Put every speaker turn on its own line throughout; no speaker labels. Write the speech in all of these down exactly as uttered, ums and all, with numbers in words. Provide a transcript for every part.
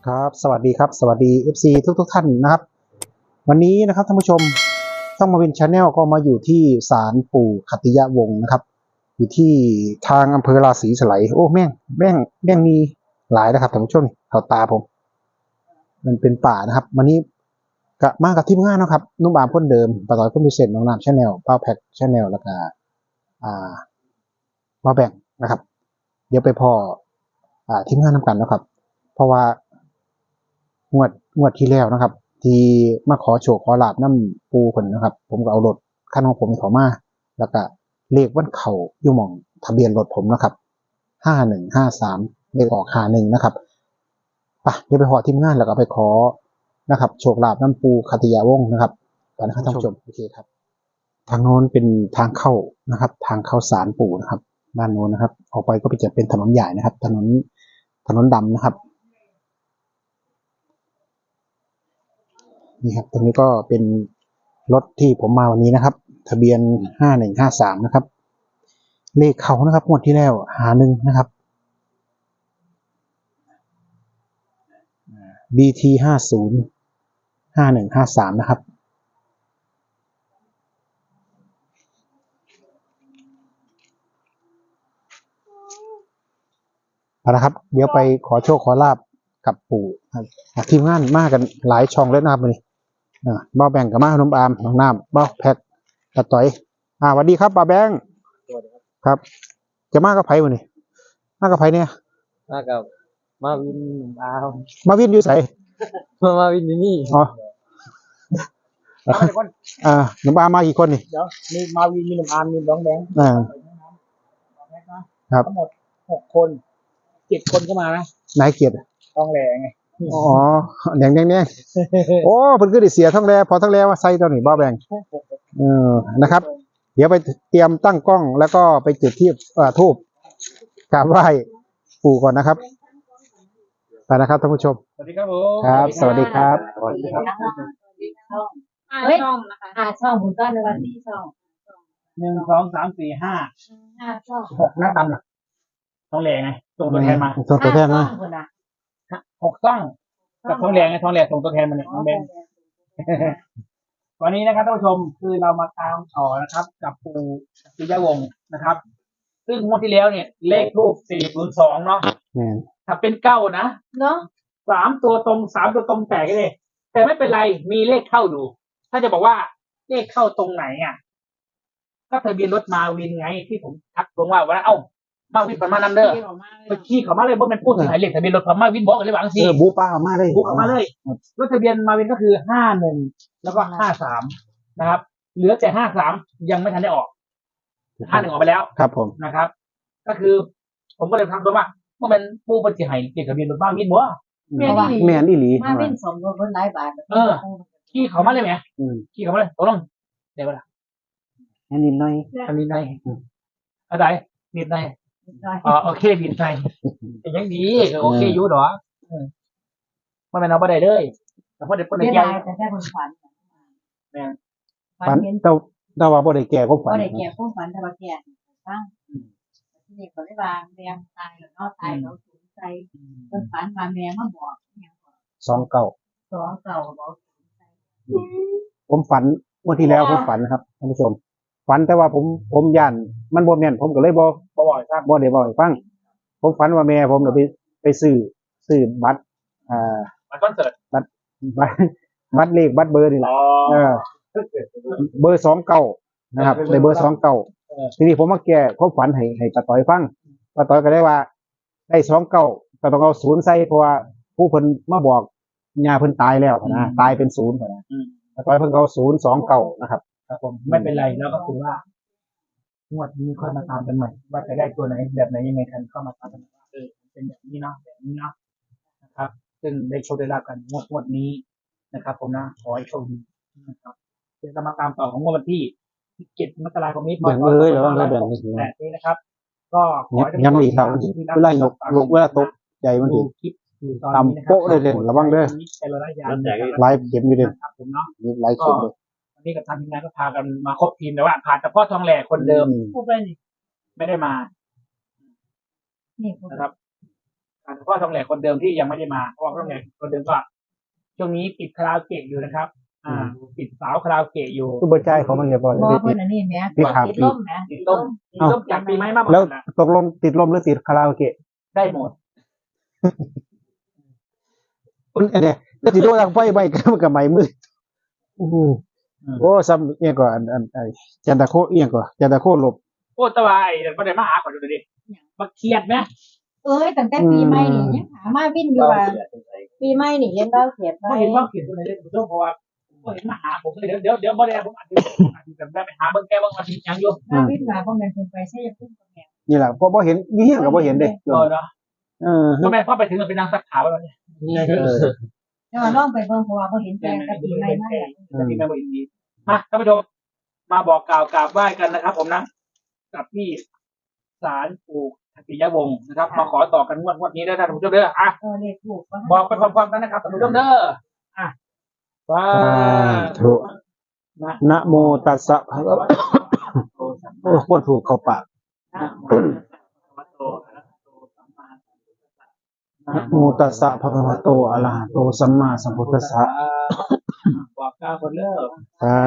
ครับสวัสดีครับสวัสดี เอฟ ซี ทุกทุกท่านนะครับวันนี้นะครับท่านผู้ชมช่องมาวินชาแนลก็มาอยู่ที่ศาลปู่ขัตติยวงศ์นะครับอยู่ที่ทางอำเภอราศีสไลยโอ้แม่งแม่งแม่งมีหลายนะครับท่านผู้ชมเขาตาผมมันเป็นป่านะครับวันนี้กะมากับทีมงานนะครับนุ่มบามคนเดิมปะต่อยคนพิเศษน้องน้ำชาแนลเป้าแพ็กชาแนลแล้วก็อ่ามาแบ่งนะครับเดี๋ยวไปพออ่าทีมงานนำกันนะครับเพราะว่างวดงวดที่แล้วนะครับ ที่มาขอโชคขอลาบน้ำปูคนนะครับ ผมก็เอารถคันของผมเขามาแล้วก็เลขวันเข่าอยู่หม่องทะเบียนรถผมนะครับห้าหนึ่งห้าสามเลขออกห้าหนึ่งนะครับไปเดี๋ยวไปขอทีมงานแล้วก็ไปขอนะครับโชคลาบน้ำปูขัตติยาวงศ์นะครับไปนะครับท่านผู้ชมโอเคครับทางโน้นเป็นทางเข้านะครับ ทางเข้าศาลปู่นะครับด้านโน้นนะครับออกไปก็จะเป็นถนนใหญ่นะครับ ถนนถนนดำนะครับนี่ครับตรงนี้ก็เป็นรถที่ผมมาวันนี้นะครับทะเบียนห้าหนึ่งห้าสามนะครับเลขเขานะครับงวดที่แล้วหาหนึ่งนะครับ บี ที ห้าศูนย์ ห้าหนึ่งห้าสามนะครับเอาละครับเดี๋ยวไปขอโชคขอลาบกับปู่ทีมงานมากันหลายช่องเลยนะครับวันนี้บ้าแบ่งกับมาขนมอามน้องน้ำบ้าแพ็กตะต่อยอ่าสวัสดีครับป้าแบงค์ครับจะมากับไผ่วันนี้มากับไผ่เนี่ย
มากับมาวินอา
มาวินอยู่ใส่
มามาวินอยู่นี่
อ๋ออ่าหนุ่มอามมากี่คนนี่
เดี๋ยวมีมาวินมีหนุ่มอาร์มมีน้องแบงค์
อ่า
ครับทั้งหมดหกคนเจ็ดคนก็มานะ
นายเกียรติ
ทองแหล่ไง
อ๋อแดงแดงแดงโอ้เพิ่นคือได้เสียทั้งแลพอทั้งแลว่าใส่ตัวนี้บ้าแบงเออนะครับเดี๋ยวไปเตรียมตั้งกล้องแล้วก็ไปจุดที่อ่าทูบกราบไหว้ปู่ก่อนนะครับไปนะครับท่านผู้ชม
สวัสดีครับผม
ครับสวัสดีครับ
สวัสดีครับห้าช่องนะคะห้าช่องผมก็ในวันที่ช่อง
หนึ่งสองสามสี่ห้า
ห้าช่อง
หกหน้าตำหรอทองแหล่ไงส่งตัวแทนมา
ส่งตัวแทนมา
หกต้องกับทองแหล่ไงทองแหล่ส่งตัวแทนมาเนี่ยน้องแบงค์วันนี้นะครับท่านผู้ชมคือเรามาตามต่อนะครับ กับปู่ขัตติยวงศ์นะครับซึ่งงวดที่แล้วเนี่ยเลขทูปสี่ศูนย์สองเนาะถ้าเป็นเก้านะ
เนาะ
สามตัวตรงสามตัวตรงแตกเลยแต่ไม่เป็นไรมีเลขเข้าดูถ้าจะบอกว่าเลขเข้าตรงไหนอ่ะก็ทะเบียนรถมาวินไงที่ผมทักลงว่าว่าเอ้ามาวินประมาณนั้นเด้อไปขี่เขามาเลยเพราะมันพูดถึงหมายเลขทะเบียนรถพมาวินบอกกันเลยบางที
เออบูป้ามาเลย
บูป้ามาเลยรถทะเบียนมาวินก็คือห้าหนึ่งแล้วก็ห้าสามนะครับเหลือแต่ห้าสามยังไม่ทันได้ออกห้าหนึ่งออกไปแล้ว
ครับผม
นะครับ ก็คือ ผมก็เลยทักตัวว่าเมื่อมันปูปฏิหารเลขทะเบียนรถมาวินบ่
แม่นอีหลี
มาเป็นสองคนหลายบาท
เออขี่เขามาเลยไหมขี่เขามาเลยตกลงเดี๋ยวเวลา
อันนี้น้อย
อันนี้น้อยอะไรนิดหน่อยอ๋อโอเคนิดหน่อยยังดีโอเคอยู่หรอมันเป็นเอาไปได้เลยแต่พอเด็กคนไหนแก่
แต่แค่คนฝัน
แม่
ฝันเต้าเต้าว่าบ่ได้แก่ก็ฝัน
บ่ได้แก่ก็ฝันแต่ว่าแก่ตั้งที่นี่ก็ได้บางแม่ตายแล้วเนาะตายแล้วสูญใจคนฝันมาแม่มาบอก
สองเก้า
สองเก้าบอก
ผมฝันเมื่อที่แล้วผมฝันครับท่านผู้ชมฝันแต่ว่าผมผมย่านมันบ่แม่นผมก็เลยบ่
บ่บ่อยฟัง
บ่ได้บ่อยฟังผมฝันว่าแม่ผมไปไปซื้อซื้อบัตรอ่า
บัตรคอนเสิร์ต
บัตรบัตรบัตรเลขบัตรเบอร์นี่แหละเออเบอร์สองเก้านะครับในเบอร์สองเก้าทีนี้ผมมาแก้ความฝันให้ให้ป้าต้อยฟังป้าต้อยก็ได้ว่าได้สองเก้าก็ต้องเอาศูนย์ใส่เพราะว่าผู้เพิ่นมาบอกญาเพิ่นตายแล้วนะตายเป็นศูนย์นะป้าต้อยเพิ่นเอาศูนย์สองเก้านะครับ
ครับผมไม่เป็นไรแล้วก็คือว่างวดนี้ค่อยมาตามกันใหม่ว่าจะได้ตัวไหนแบบไหนยังไงกันเข้ามาตามกันว่าเออเป็นแบบนี้เนาะแบบนี้เนาะนะครับซึ่งได้โชคได้ลาบกันงวดงวดนี้นะครับผมนะขอให้โชคดีนะครับจะมาตามต่อของวันที่เจ็ดมกราคมนี้
แบ่งเลยหรือว่าแบ่งไม่ถึง
แบบนี้นะครับก็ขอให้
ยังมีครับเวลานกนกเวลาตกใจมันถึงตำโป๊ะเลยเด่นระวังเด้อไลฟ์เข็มอยู่เด่น
ผมเนาะ
ไลฟ์เข็มเลย
วันนี้กับทางทีมงานก็พากันมาครบทีมแต่ว่าผ่านแต่พ่อทองแหล่คนเดิมไม่ได้มานะครับอ่าเฉพาะทองแหลกคนเดิมที่ยังไม่ได้มาเพราะว่าทองแหลกคนเดิมก็ช่วงนี้ติดคาราโอเกะอยู่นะครับ อ่าติดสาวคาราโอเกะอยู่
ตู้บรรจัยเขามันอย่าบอก
บ่
เลย
เพิ่นอันนี้แหม่
ที่ขาด
ติดล่มแหม่
ติดล่มติดล่มจากปีไม้มาหมด
แล้ว
นะ
ตกลงติดลมหรือติดคาราโอเกะ
ได้หมด
อันเนี้ยแล้วติดโดนทางไฟไหม้ก็มันกับไหม้มืดโอ้โหโอ้ซ้ำเอียงก่อนอันอันไอจันตะโคเอียงก่อนจันตะโคหลบ
โอ้ตะวายเดี๋ยวประเดี๋ยวมาหาก่อนดูดิมาเครียดไหม
เอ้ยตั้งแต่ปีใหม่นี่ยังหามาวินอยู่ว่าปีใหม่นี่ยังเราเขียนไว้
ไม่เห็นว่าเขียนตัวไหนเลยผมต้องเพราะว่าผมเห็นมาหาผมเลยเดี๋ยวเดี๋ยวเดี๋ยวบ่ได้ผมอาจจะอาจจะไปหาเบิ่งแก้เบิ่งมาทียังอยู่
มาวินว่าบ่แม่นเพิ่นไปใช้พุ่มกับแม่
นี่แหละพอพอเห็นยี่เหี้ยงก็บ่เห็นเด้
เออเนาะ
เออ
ทำไมพ่อไปถึงเป็นนางสักขาวแล้วเนี่ย
เออ
แต่ว่าลองไปเบิ่งเพราะว่าบ่เห็นแต่กับปีใหม่มาแล้ว
จะมีแม่บอกอินดีมาท่านผู้ชมมาบอกกล่าวกราบไหว้กันนะครับ ผมนะกับที่ศาลปู่ทักษิยวงศ์นะครับมาขอต่อกันงวดงวดนี้ได้ท่านผู้ชมเด้ออ่ะ
เออเลขถูกว่า
บอกไปพร้อมๆกันนะครับท่านผู้ชมเด้ออ่ะว้า
ถู
ธุ
กนะโมตัสสะภะคะวะโอ้โคตรถูกเข้าปากนะโมตัสสะภะคะวะโตอะระหะโตสัมมาสัมพุทธัสสะ
บอกกล่าวคนเด้อ
สา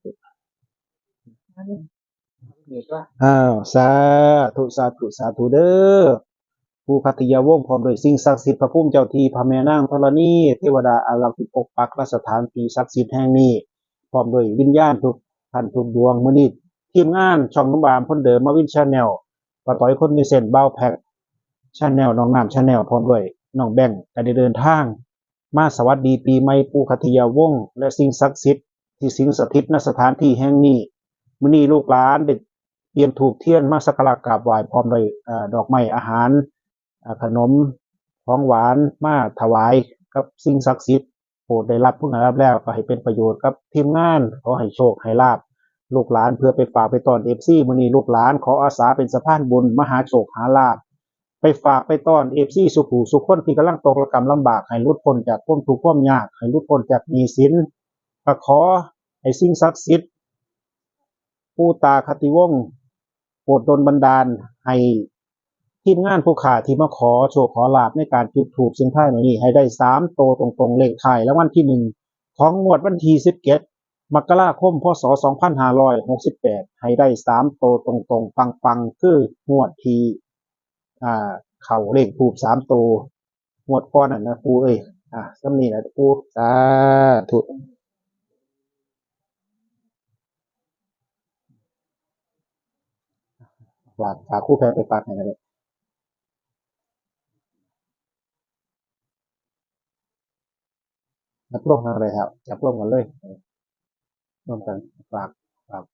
เหนื่อยก็
อ้าวสาธุสาธุสาธุเด้อผู้คัตติยาวงศ์พร้อมด้วยสิ่งศักดิ์สิทธิ์พระภูมิเจ้าที่พระแม่นางธรณีเทวดาอารักษ์ที่ปกปักรักษาสถานที่ศักดิ์สิทธิ์แห่งนี้พร้อมด้วยวิญญาณทุกท่านทุกดวงมื้อนี้ทีมงานช่องน้ำบามพ้นเดิมมาวินชาแนลป้าต้อยคนมีเส้นเบ้าแพ็กชาแนลน้องน้ำชาแนลพร้อมด้วยน้องแบงค์ก็ได้เดินทางมาสวัสดีปีใหม่ปู่คัตติยาวงศ์และสิ่งศักดิ์สิทธิ์ที่สิงสถิตณสถานที่แห่งนี้มื้อนี้ลูกหลานได้เตรียมถูกเทียนมาสักการะกราบไหว้พร้อมด้วยเอ่อดอกไม้อาหารอ่าขนมของหวานมาถวายกับสิ่งศักดิ์สิทธิ์โปรดได้รับผู้นั้นรับแล้วก็ให้เป็นประโยชน์กับทีมงานขอให้โชคให้ลาภลูกหลานเพื่อไปฝากไปต้อน เอฟ ซี มื้อนี้ลูกหลานขออาสาเป็นสะพานบุญมหาโชคหาลาภไปฝากไปต้อน เอฟ ซี สุขหูสุขคนที่กำลังตกระกำลำบากให้หลุดพ้นจากความทุกข์ความยากให้หลุดพ้นจากหนี้สินก็ขอให้สิ่งศักดิ์สิทธิ์ปู่ตาคติวงศ์โปรดดลบันดาลให้ทีมงานผู้ขาที่มาขอโชคขอลาภในการจุดธูปเสียงทายในนี้ให้ได้สามโตวตรงๆเลขท้ายและวันที่หนึ่งของงวดวันที่สิบเจ็ดมกราคมพศสองพันห้าร้อยหกสิบแปดให้ได้สามโตวตรงๆปังๆคืองวดที่อ่าเข่าเลขทูบสามโตวงวดก้อนน่ะนะปูเอ้ยอ่ะสำนีนะปูสาธุฝากฝากคู่แพ้ไปฝากให้กันเลยจับร่วมกันเลยครับจับร่วมกันเลยร่วมกันฝากฝาก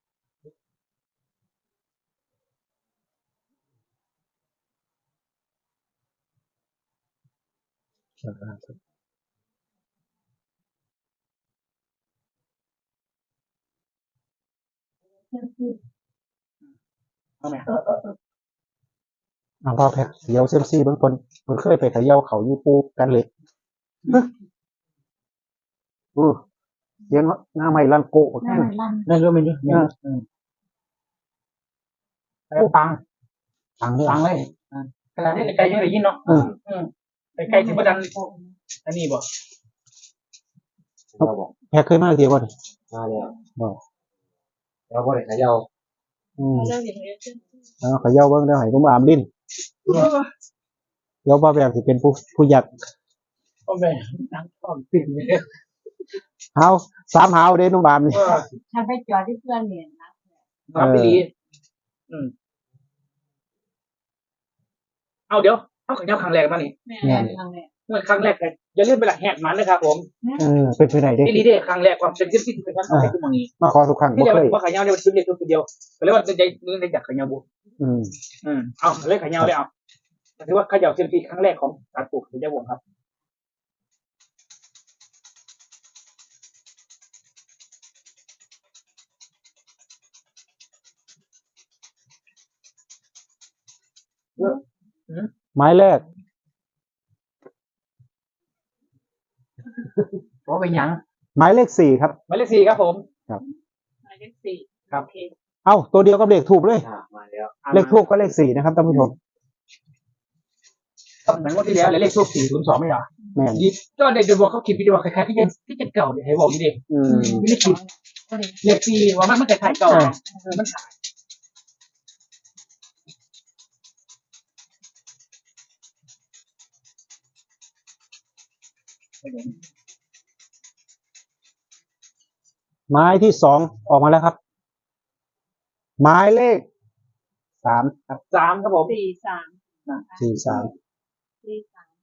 เอาไหมเอาพ่อแพ็กเสียวเซยมซีเบื้องต้นมันเคยไปเขย่าเขาอยู่ปูกันเลยอู้เสียงหน้าใหม่ลันโกะ
หน้าลั่น
นั่นก็ไม่ยุ่งเนี่ยปัง
ฟังเลย
ปังเลยขนาดนี้ไกลยังได้ยินเนาะ
อืม
ไกลถึงประดันอันนี้บ่
แพ็กเคยมาเดียวก่อน
มาแล้ว
บ่
แล้วก็ได้ขยาว
อืมเอาเขย่าเบิ้งแล้วให้ผมอามลิ้นเดี๋ยวว่าแบบสิเป็นผู้ผู้ยักษ์
ก็แม่นั่งต้อมปิ่นเลย
เฮาสามเฮาเด้นุ่มอามนี่
ถ้าไปจอดที่เพื่อนเนี่ยนะ
น้ำไปดีอืมเอาเดี๋ยวเอาขันยาวครั้งแรกมานี่
แม่ทางเนี่ย
เมื่อครั้งแรกเลยอย่าลืมไปละแหกมันนะครับผม
เออเป็นไปไหนเด้
ที่ลีเด้ครั้งแรกความเป็นที่ที่เป็นครั้งแรกที่มองนี้
มาขอทุกครั้ง
ที่
บ่
เดียว
เคย
ว่าขันยาวเนี่ยชิ้นเดียวตัวเดียวก็เลยว่าจะใจนี่ได้จากขันยาวบุ
อืม
อืมเอาเลยขันยาวเลยเอาถือว่าขยับเซนตีครั้งแรกของการปลูกขันยาววงครับเยอะ
หมายแรก
เพราะเป็นยัง
หมายเลขสี่ครับ
หมายเลขสี่ครับผม
หมายเลขสี่
ครับ
เอ้าตัวเดียวกับเลขทูบเลย
อ่ามาแล้ว
เลขทูบก็เลขสี่นะครับท่านผู้ชม
เหมือนงวดที่แล้วเลยเลขทูบสี่ศูนย์สองไม่เหรอ
แม่น
ยี่ก็เด็กจะบอกเขาคิดวิดีโอคล้ายๆที่จะที่จะเก่าเนี่ยให้บอกนี่ดิ
อืม
ไม่ได้คิดเลขสี่ว่ามันมันคล้ายๆเก่ามันขาย
ไม้ที่สองออกมาแล้วครับ หมายเลขสามครับ
สามครับผม
สี่สาม
สี่สาม
สี่สาม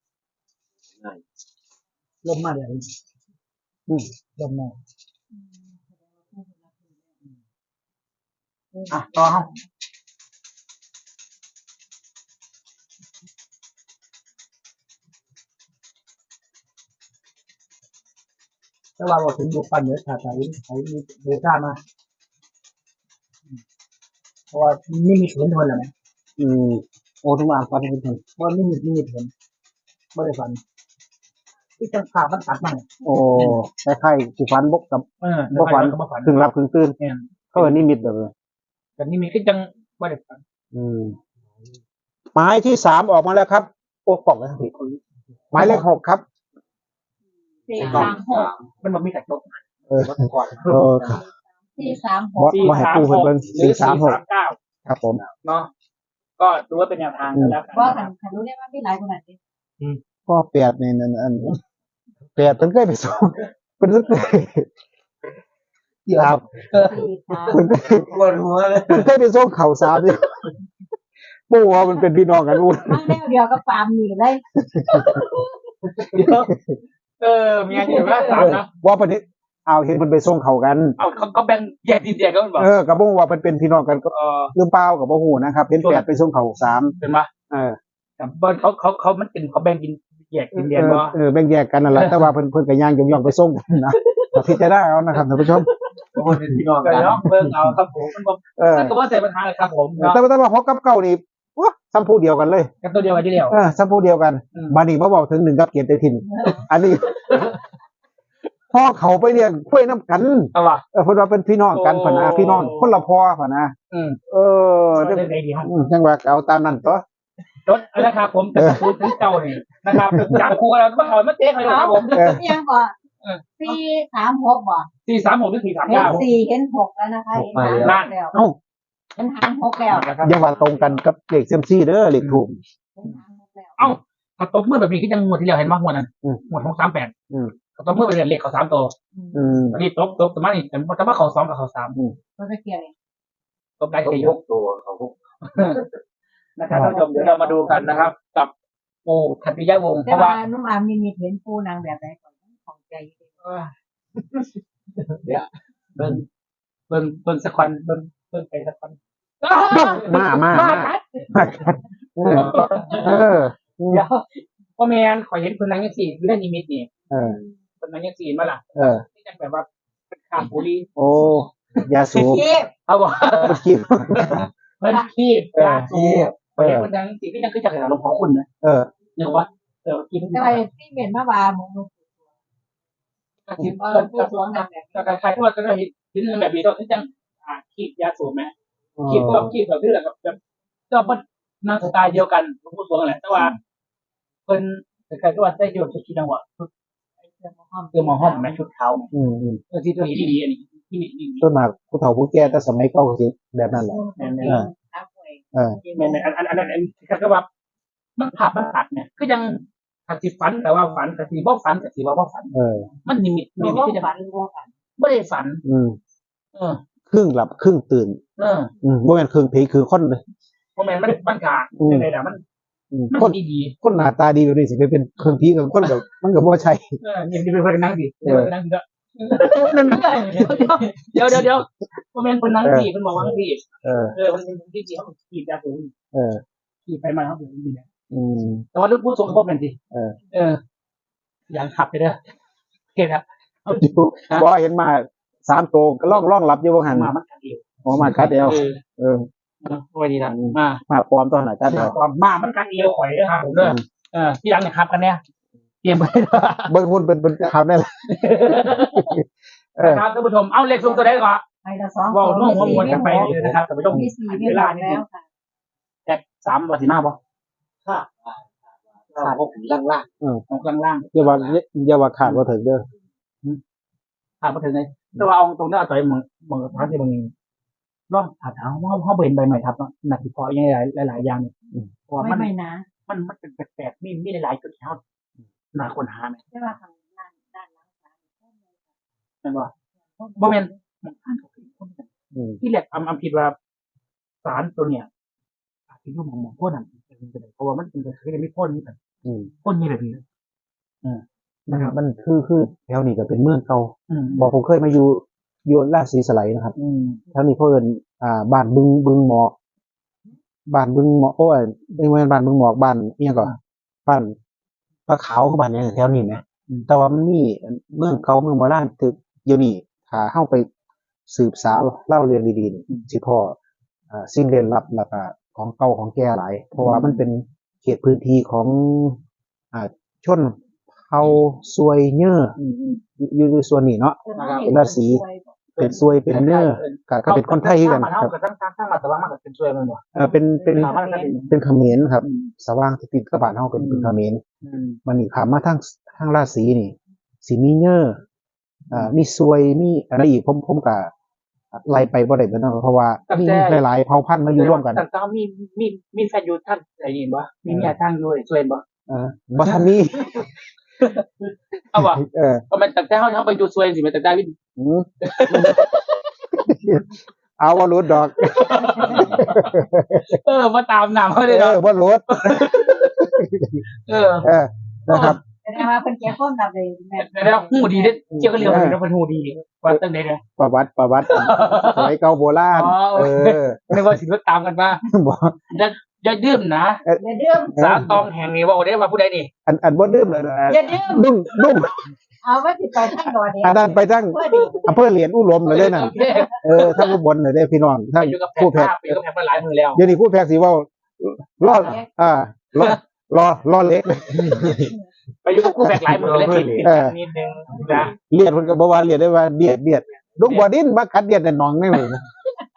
ลมมาเลย
อืม
ลมมา
อืมแสดงว่าผู้คนละคนเลย
อ่ะต่อเอาถ้าว่าเราถึงบุกปันเนื้อขาดใจใช้เบต้ามาเพราะว่าไม่มีเห็นทนหรอไหม
อืมโอ้ทุกอย่างฟันเป็นคน
เพราะไม่มีไม่มีเห็นไม่ได้ฟันที่จังขามันตัดมา
โอ้คล้ายๆสิฟันบกกับ
เออ
บ่ฝัน
ก็บ่ฝัน
ครึ่งรับครึ่งตื่น
เนี่ย
เขาเอิ้นนิมิตแบบเลย
แต่นี่มีก็จังไม่ได้ฝัน
อืมหมายที่สามออกมาแล้วครับ โอ้กล่องแล้วพี่หมายเลขหกครับ
สี่สามหก
มันบ่มีกระจก
เออ
ก่อน
เออครับ
สี่สามห
บอก สมาให้ปูเพิ่นเบิ่ง
หรือ
สี่สามหก
เก้า
ครับผม
เนาะก็ดูว่าเป็นแนวทางกันแล้วกัน
ว่าขันขันรู้ได้ว่าไม่หลายคนอ่ะดิ
ก็แปดนี่นั่นอันแปดเพิ่นเคยไปส่งเพิ่นเคยครับ
สี่สาม
เพิ่นเคย
ปวดหัวเลย
เพิ่นเคยไปส่งข้าวสารอยู่ปู่ว่ามันเป็นพี่น้องกันอู้
มันแนวเดียวกับฟาร์มนี่เลย
เดี๋ยวเออมีงานอยู่ว่าสามนะ
ว่าเพิ่นเฮ็ดเอาเห็นเพิ่นไปส่งเขากัน
เอาเขาเขาแบ่งแยกดินแยกกันบอก
เออก็บ่ฮู้ว่าเพิ่นเป็นพี่น้องกันก็
เออ
หรือเปล่าก็บ่ฮู้นะครับเห็นแปดไปส่งเขาสาม
เป็นปะ
เออ
แต่บ้านเขาเขาเขามันเป็นเขาแบ่งดินแยกดินแดนบ่
เออแบ่งแยกกันนั่นแหละแต่ว่าเพิ่นเพิ่นก็ย่างย่องๆไปส่งกันนะก็พิจารณาเอานะครับท่านผู้ชม
ทุกคนเป็นพี่น้อง
ก็
กัน
เนาะเบิ่งเอาครับผมมันบ่
เออ
มันก็บ่ใส่ปัญหาเลยครับผมเนาะ
แต่ว่าแต่ว่าหกกับเก้านี่วะซ้ำผู้เดียวกันเลย
กันตัวเดียวกันที่เดียว
เออซ้ำผู้เดียวกัน
อืม
บานี้มาบอกถึงหนึ่งกับเกียรติถิ่น อันนี้ พ่อเขาไปเรียกคุยน้ำกัน
เอาว่ะ
เออเพิ่นว่าเป็นพี่น้องกัน
โอ้
พ่นนะพี่น้องคนละพ่อพ่นนะ
อืม
เออ
เรื่องใดดีฮะ
อืมจังว่าเอาตามนั้นตัว
รถนะครับผมจะพูดถึงเจ้านี่นะครับจากครูเราก็เอามาเจ๊ให้เลยครับผม
เออ
เอียงก่อนสี่สามหกบ่
สี่สามหกหรือสี่สาม
เห็น
เก้า
สี่เห็นหกแล้วนะคะเห็นหางหกแล้ว
เอ้า
เห็นหางหกแล้ว
นะครับ
อย่าว่าตรงกันกับเลขเซยมซี่เด้อเลขถูก
เห็นหางหกแล้ว
เอ้าถ้าตบมือแบบนี้ก็ยังหมดที่เราเห็นมากหมดนั้น
อืม
หมดของสามแปด
อืม
ถ้าตบมือไปเรียนเลขเขาสามตัว
อืม
อันนี้ตบตบแต่มานี่แต่แต่ว่าเขาสองกับเขาสาม
มันก็เกี่ยวเลย
ตบได้
เขา
แค่ย
ย
ก
กตัวเขาพวก
นะครับท่านผู้ชมเดี๋ยวเรามาดูกันนะครับ กับโอ้ขัตติยะวงศ์เพ
แต่
ราะ
ว่า
ว่า
นุ่มอามมีมีเห็นปูนางแบบไหนก่อนของใจอยู่ดี
เออเบิ่งเบิ่งเบิ่งสักคนเบิ่งเบิ่งไปสักคน
มามา
มา
มา
ครับ
เออเออ
เดี๋ยวพ่อแม่นขอเห็นคนนั้นยังสี่เรื่องนิมิตนี่
เออ
คนนั้นยังสี่มาล่ะ
เออ
ที่ยังแบบว่าเป็นขาบุรี
โอ้ยาสูบ
เก็บ
เขาบอก
เมื่อกี้
มันขี้
เออ
ขาสูบขอเห็นคนนั้นสี่ที่ยังคือจากหลวงพ่อคุณนะ
เออ
เนี่ยว่าเออกิน
แต่ว่าที่เห็นมาว่าหมองลูก
กระชิบ
ว่า
ก็
ผู้สวงนางแบบ
ก็คล้ายๆที่ว่าก็ได้ยินแบบนี้ตอนที่จังอ่าขีดยาสูบไหมขีดก็ขีดแบบที่แบบแบบก็มันนั่งสไตล์เดียวกันหลวงพ่อสวงแหละแต่ว่าคนคล้ายๆที่ว่าได้โยนชุดที่จังหวะชุด
เสื้อหมอห้อม
เสื้อหมอห้อมไหมชุดขาวไหม
อืมอืม
เออที่ตัวนี้ดีๆอันนี้ที่นี่นี่
ส่วนมากผู้เฒ่าผู้แก่แต่สมัยเก่าก็สิแบบนั้นแหละ
แม่น
เออ
อาป่วย
เออ
แม่นอันอันอันอันก็ว่ามันผับมันตัดเนี่ยก็ยังขัดสิฝันแต่ว่าฝันแต่สีบ่ฝันแต่สีว่าบ่ฝัน
เออ
มันนิมิต
หนู
นิมิต
ว่า
ที่จะ
ฝันว่าฝัน
ไม่ได้ฝัน
อืม
เออ
ครึ่งหลับครึ่งตื่น
เออ
อืมบ่แม่นครึ่งผีคือคนเลย
เพราะแม่นมันมันขาด
อืม
ในแต่มัน
อืม
มัน
คน
ดีดี
คนหน้าตาดีแบบนี้สิไปเป็นครึ่งผีกับคนกับมันก็บ่ใช่
เออนี่เป็นคนนั่งดิเดี๋ยวนั่งก็เดี๋ยวเดี๋ยวเดี๋ยวเพราะแม่นคนนั่งดิมันบอกว่าดิ
เออ
เออมันเป็นที่ที่เขาขีดยาสูบ
เออ
ขีดไปมาเขาเป็นดีเนี่ย
อืม
แต่ว่าลูกผู้ทรงพบเป็นสิ
เออ
เอออย่างขับไปเด้อโอเคครับ
อยู่บ่เห็นมาสามตัวก็ล่องล่องหลับอยู่บ่หัน
มามันกัดเดียว
ออกมากัดเดียว
เออ
เออ
สวัสดีครับมา
มาปลอมตอนไหนกัดเดียว
ความมามันกัดเดียวข่อยเด้อครับผมเด้อเออที่หลังเนี่ยครับกันเนี่ยเตรียมไป
เบิ่งหุ่นเป็นเป็นข่าวได้เลยเออ
นะครับท่านผู้ชมเอาเลขสูงตัวใดก่อน
ไปละสอง
ว่าน้องว่ามวลกันไปเลยนะครับท่านผู้ชม
มีสี่มีหลายแล้วค่ะ
แจกสามวันที่หน้าบ่
ค่ะขาดหกล่างล่าง
หกล่าง
อย่าว่าอย่าว่าขาดว่าถึงเด้อ
ๆขาดมาถึงไงแต่ว่าเอาตรงนี้เอาใจมึงมึงทางที่มึงร่องถาถามว่าเขาเห็นใบใหม่ทับเนาะหนักที่พอยังหลายหลายอย่างเนี่ยเพราะว่า
ไม่
มัน
ไม่นะ
มันมันเป็นแปลกๆมีมีหลายๆจุดที่เขาหนาคนหาไหม
ใช่ว่าทางด้านด้านหลังศาล
นั่นว่าบ่แม่นมันผ่านกับคนกัน
อืม
ที่แรกอำอำคิดว่าสารตัวเนี้ยอาจจะอยู่หมองหมองพ่นนั่นเพราะว่ามันเป็นกระสือไม่พ่นนี่แต่
อืม
พ่นนี่แบบนี้อืม
มัน
นะครับ
มันคือคือแถวนี้ก็เป็นเมืองเก่า
อืม
บอกผมเคยมาอยู่อยู่ราชสีสไลยนะครับ
อืม
แถวนี้เขาเอิ้นอ่าบ้านบึงบึงหมอกบ้านบึงหมอกโอ้ยไม่ใช่บ้านบึงหมอกบ้านเอียงก่อนบ้านปลาขาวกับบ้านเนี้แถวนี้นะแต่ว่ามันมีเมืองเก่าเมืองโบราณตึกอยู่นี่ถ้าเข้าไปสืบสาวเล่าเรียนดีๆนี่สิพ่ออ่าสิ่งเร้นลับแล้วก็ของเก่าของแก่หลาย เพราะว่ามันเป็นเขตพื้นที่ของอ่าชนเผ่าซวยเนื้อ
อืมอืม
อยู่ในส่วนนี้เนาะ ราศี เป็นซวยเป็นเนื้อก็ก็เป็นคนไทยคือกัน
มา
ค
เท่า
รับ
กับทั้งทั้งทั้งมาแต่ว่ามันก็เป็นช่วยมันบ่
เออเป็นเป็น
สามารถกัน
เป็นเขมรครับ สว่างที่ติดกับบ้านเฮาเป็นเป็นเขมร
อืม
มันนี่ขามมาทางทางราศีนี่สิมีเนื้ออ่ามีซวยมีอะไรอีกผมผมก็ไล่ไปบ่ได้เบิดเนาะเพราะว่ามีหลายๆเผ่าพันธุ์มาอยู่ร่วมกัน
แต่ก็มีมีมีแฟนอยู่ท่านอะไรนี่บ่มีเมียทางอยู่ช่วยบ่
เออบ่ทันมี
เอาบ่
เออ
ก็มันแต่ถ้าเขาเขาไปอยู่ช่วยสิมันแต่ได้วิน
อืมเอาบ่รู้ดอก
เออมาตามหนามเขาเลย
เอ
เนาะ
อบ่รู้
เออ
เออนะครับ
แสดงว่าเป็นแก่คนแบบเลยแม่
แล้วหูดีเด้เกี่ยวกับเรื่องนี้เป็นหูดีว่าตั้งแต่เนี่ย
ประวัติประวัติสมัยเก่าโบราณ
อ๋อ
เออ
นึกว่าสิรถตามกันมา
บอก
อย่าอย่าดื่มนะ
อย่าดื่ม
สาตองแห่งนี้ว่าโอ้ได้ว่าผู้ใดนี่
อันอันบ่ดื่มเลยนะ
อย่าดื่ม
ดุ้งดุ้ง
เอาไว้ติดไปทั้งดอเดียว
อันนั้นไปทั้ง
เพื่อดี
อำเภอเหรียญอุหลมเลยเด้อนั่นเออทั้งอุบลเลยเด้อพี่น้องทั้ง
อยู่กับแพ
ผู้แพ
ท
ท
ย์
ย์
อยู่กับแพทย์มาหลายมือแล้ว
เดี๋ยวนี้ผู้แพทย์สิเว้าล่ออ่าล่อล่อล่อเล็ก
ไปอยู่กับผู้แพทย์หลายมือแล้วนิดนิดนึงนะ
เลียดเพิ่นก็บ่ว่าเลียดได้ว่าเดียดเดียดลูกบ่ดิ้นมากัดเดียดแต่น้องนี่เลยนะ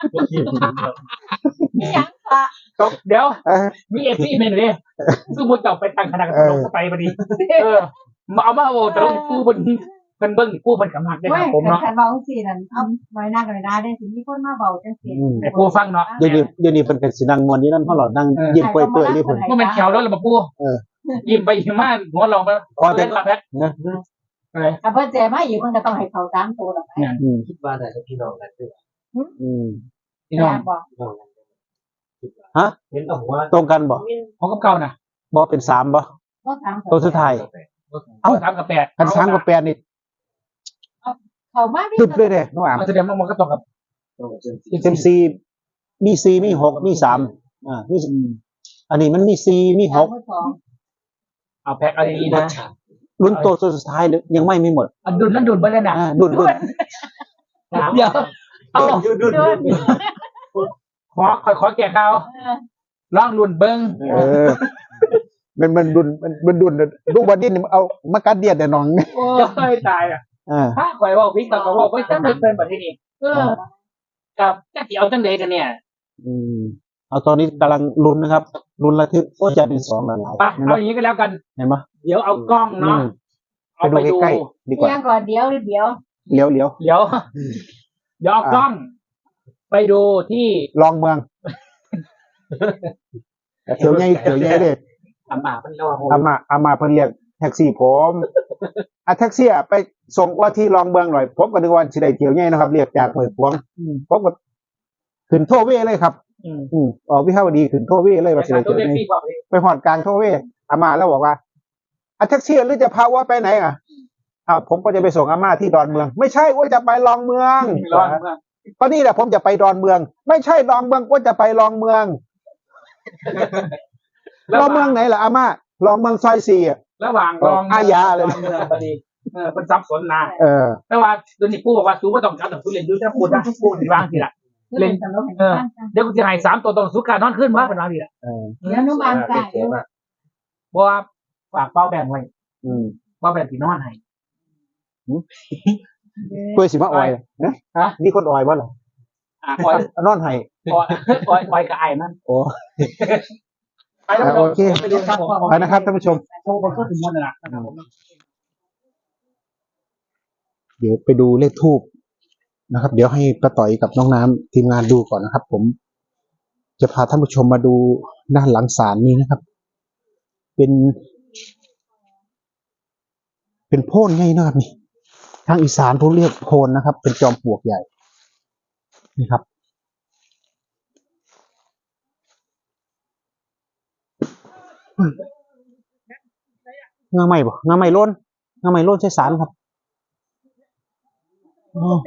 นี่ยังค่ะ
เดี๋ยว
เออ
มีเอฟซีเมนเลยซึ่งมันจะไปตั้งคณะกรรมการไปพอดีเออมาเอามาโอ้แต่ต้องกู้เพิ่นเพิ่นเบิ่งกู้เพิ่นกำลังได้
เว้
ค
ย
รับผมเนาะ
ขันเบาสินั่นเอาน้อยหน้ากันเลยนะได้สิมีคนมาเบาจังสิ
อืม
ไอ้ปูฟังเนาะ
เดี๋ยวนี้เดี๋ยวนี้เพิ่นก็สินั่งม่วนอยู่นำเฮาหลอดนั่งยิ้มเปื่อยๆนี่เพิ่น
เมื่อมันแถวแล้วล่ะมาปู
เออ
ยิ้มไปยิ้มมาหัวลองไป
พอแต่
เล่นมาแพ็ค
นะ
อะไร
ถ้าเพิ่นเจมาอยู่มันก็ต้องให้เขาตามตัวหรอกไหม
อืม
คิดว่าน่าจะพี่น้องกันด้วย
อืม
พี่น้อง
บอก
พี่น้องกัน
ฮะ
เห็นเอาว่า
ตรงกันบ่
ของกับเก่าน่ะ
บ่เป็นสามบ่
ต้องถาม
ตัวสุดท้าย
เอ้าสามกับแปด
คันสามกับแปดนี่
เขามาพี่
ตึบเลยเด้น้องอาม
มันแสดงว่ามันก็ตรงกับ
ต้องเชิญ
เซมซีมีสี่มีหกมีสามอ่ามีอันนี้มันมีสี่มีหก
สอง
เอาแพ็คอะไรดี
วั
นะ
ดฉาก
ลุ้นตัวสุดท้ายยังไม่มีหมด
อันดุนนั่นดุนไปเลยนะ
อ่าดุนดุน
เดี๋ยวเอา
ดุนดุน
เดิน
ขอขอขอแก่เขาลองรุ่นเบิ้ง
เออ มันมันดุนมันมันดุนลูกบอดี้นี่เอามากัดเดียดแต่น้องเนี่ย
โอ้ยตายอ่ะ
อ่า
ถ้าข่อยว่าพิกต่อก็ว่าไม่ต้องเป็นแบบนี้เออกับจะเกี่ยวจังเดกันเนี่ย
อืมเอาตอนนี้กำลังลุ้นนะครับลุ้นระทึกโอ้จะเป็นสองหลาย
ไป
ๆเห็นไหม
เอาอย่างนี้ก็แล้วกัน
เห็นไหม
เดี๋ยวเอากล้อง
อื
เนาะ
ม
เอาไปดู
ใกล้ๆดีกว่า
เที่ยงก่อนเดี๋ยวเดี๋ยว
เลี้ยวเลี้ยว
เดี๋ยวเดี๋ยวเอากล้อง ไปดูที่
ลองเมืองเถียวใหญ่เถียวใหญ่เลย
อามาเป็นเล่า
อามาอามาเพิ่นเรียกแท็กซี่ผมอ่ะแท็กซี่อะไปส่งว่าที่ลองเมืองหน่อยผมก็นึกว่าสิได้เถียวใหญ่นะครับ เรียกจากห้วยขวางผมก็ขึ้นโทเวเลยครับ
อืม
อืมออกวิภาวดีขึ้นโทเวเลยว่าสิได้
ตัว
เถียว
เล็ก
ใหญ่
พี่บอกเลย
ไปหอดกลางโทเวอามาแล้วบอกว่าอ่ะแท็กซี่หรือจะพาว่าไปไหนอ่ะอ่าผมก็จะไปส่งอาม่าที่ดอนเมือง ไม่ใช่ว่าจะไปลองเมือง
ร้อน
ก็นี่แหละผมจะไปดอนเมือง ไม่ใช่ลองเมืองว่าจะไปลองเมืองลองเมืองไหนล่ะอาม่าลองเมืองซอยสี่อ่ะ
ระหว่างรอง
อาญาเลย
เมืองพอดีเออเป็นซับสนนะ
เออ
แต่ว่าโดนนี่ปูบอกว่าสูก็ต้องการแต่สูเรียนดูถ้าปูนะปูดีบ้างทีละ
เล่นตลกให้ฟัง
เดี๋ยวกูจะให้สามตัวตรงสูการนอนขึ้นมาเป็นวันทีละ
เออ
เดี๋ยวนุ่มบางใจ
เพราะว่าฝากเป้าแบ่งไว้
อืม
เป้าแบ่งที่นอนให้
ตัวสิมาออยนะ
ฮะ
นี่คนออยบ่เหรอ
อ่ะคอย
นอนให้
คอยคอยคอยกับไอ้มัน
โอ้
ไปแล้ว
โอเค
ไปดูครับผม
ไปนะครับท่านผู้ชม
โชว์บนเครื่องถึงมดนะครับผม
เดี๋ยวไปดูเลขทูบนะครับ เดี๋ยวให้ป้าต่อยกับน้องน้ำทีมงานดูก่อนนะครับ ผมจะพาท่านผู้ชมมาดูด้านหลังศาลนี้นะครับ เป็น เป็นโพนไงนะครับนี่ทางอีสานเขาเรียกโพนนะครับ เป็นจอมปลวกใหญ่นี่ครับงาใหม่บ่งาใหม่ล้นงาใหม่ล้นใช้สารครับอ๋อ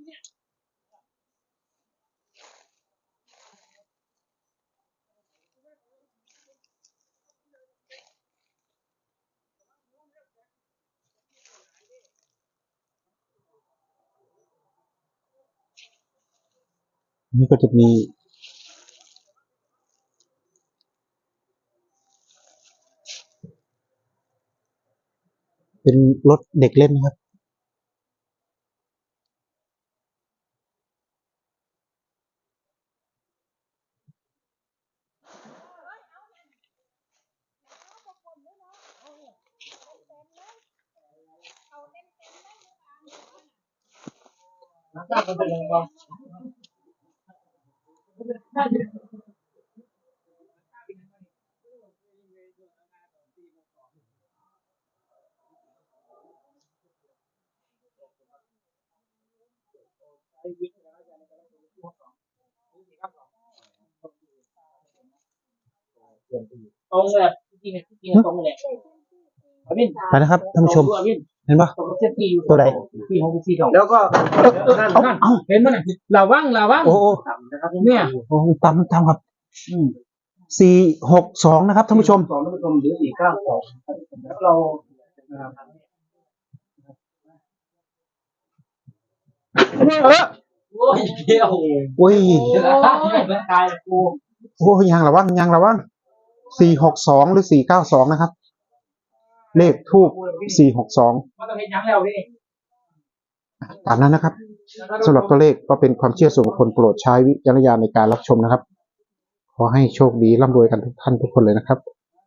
นี่ก็จะมีเป็นรถเด็กเล่นนะครับ
ตรงเลยจริงๆจริงๆตรงเลยอวิน
ไปนะครับท่านผู้ชม
อวิน
เห็นปะ
ตรงเส้นที่อยู่
ตัวไหน
ที่ของที่ของ
แล้วก็
นั่นนั่นเห็นมั้ยลาว่างลาว่าง
โอ้โอ้
นะครับเนี่ย
โอ้ตามตามครับ
อืม
สี่หกสองนะครับท่านผู้ชม
สองท่านผู้ชมหรือสี่เก้าสองแล้วเราโอ้ยเดียว
โอ้ย
ไม่ตายกู
โอ้ยยังระวังยังระวังสี่หกสองหรือสี่เก้าสองนะครับ เลขทูบสี่หกสอง
มันต้องเห็นยังแล้วพี่
ตามนั้นนะครับสำหรับตัวเลขก็เป็นความเชื่อส่วนบุคคลโปรดใช้วิจารณญาณในการรับชมนะครับ ขอให้โชคดีร่ำรวยกันทุกท่านทุกคนเลยนะครับ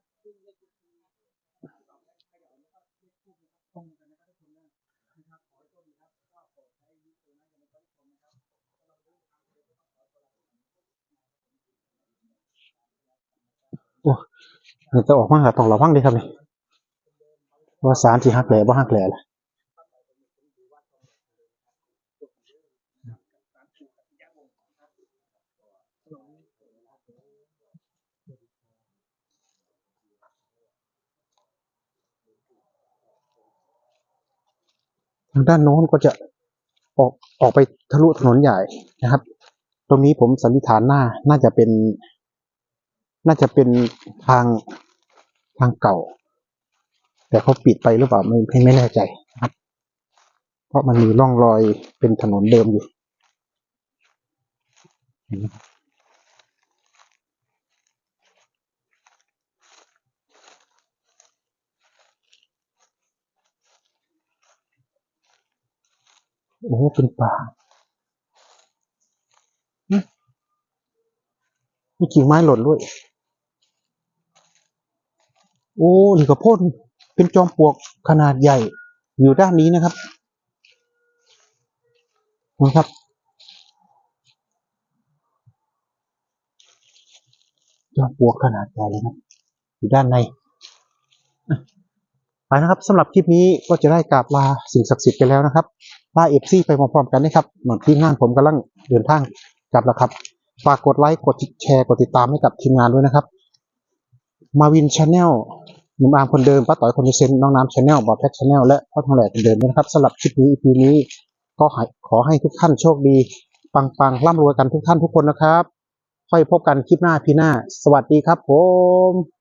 โอ้ยจะออกมาต้องระวังด้วยครับเนี่ยว่าสารที่หักแหล่บ่หักแหล่ล่ะทางด้านโน้นก็จะออกออกไปทะลุถนนใหญ่นะครับ ตรงนี้ผมสันนิษฐานหน้าน่าจะเป็น น่าจะเป็นทางทางเก่า แต่เขาปิดไปหรือเปล่าไม่ไม่แน่ใจนะครับ เพราะมันมีร่องรอยเป็นถนนเดิมอยู่เห็นไหมครับโอ้โหเป็นป่ามีกิ่งไม้หล่นด้วย โอ้นี่ก็โพ่นเป็นจอมปลวกขนาดใหญ่ อยู่ด้านนี้นะครับนะครับ จอมปลวกขนาดใหญ่เลยครับ อยู่ด้านในอ่ะไปนะครับสำหรับคลิปนี้ก็จะได้กราบลาสิ่งศักดิ์สิทธิ์ไปแล้วนะครับลาเอฟซีไปพร้อมๆกันนะครับเหมือนที่งานผมกำลังเดินทางกลับแล้วครับฝากกดไลค์กดแชร์กดติดตามให้กับทีมงานด้วยนะครับมาวินชาแนลหนุ่มอาร์มคนเดิมป้าต่อยคนเซนน้องน้ำชาแนลบอดแพ็กชาแนลและพ่อทองแหลกคนเดิมด้วยนะครับสำหรับคลิปนี้ อี พี นี้ก็ขอให้ทุกท่านโชคดีปังๆร่ำรวยกันทุกท่านทุกคนนะครับค่อยพบกันคลิปหน้าพี่หน้าสวัสดีครับผม